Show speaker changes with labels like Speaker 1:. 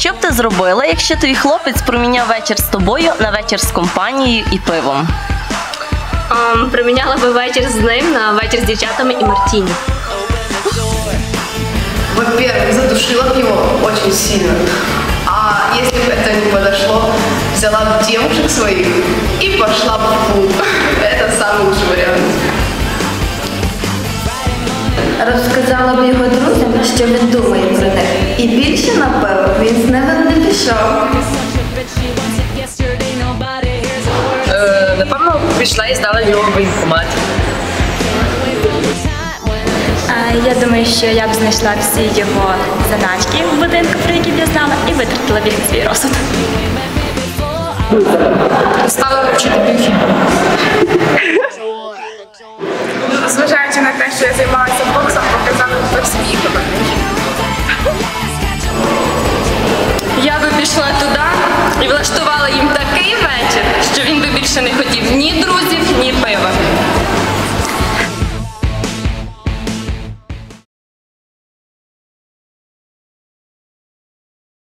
Speaker 1: Що б ти зробила, якщо твій хлопець проміняв вечір з тобою на вечір з компанією і пивом?
Speaker 2: Проміняла би вечір з ним на вечір з дівчатами і мартіні.
Speaker 3: Во-первых, задушила бы его очень сильно. А если бы это не подошло, взяла бы девушек своих и пошла бы в клуб. Это самый лучший вариант.
Speaker 4: Розказала б його друзям, що він думає про них. І більше, напевно, він з ними не пішов.
Speaker 5: Напевно, пішла і здала його в воєнкомат.
Speaker 6: Я думаю, що я б знайшла всі його заначки в будинку, про які б я знала, і витратила б їх на свій розсуд.
Speaker 5: Стала вчити біохімію.
Speaker 7: Зважаючи на те, що я займалася боксом, показала свій.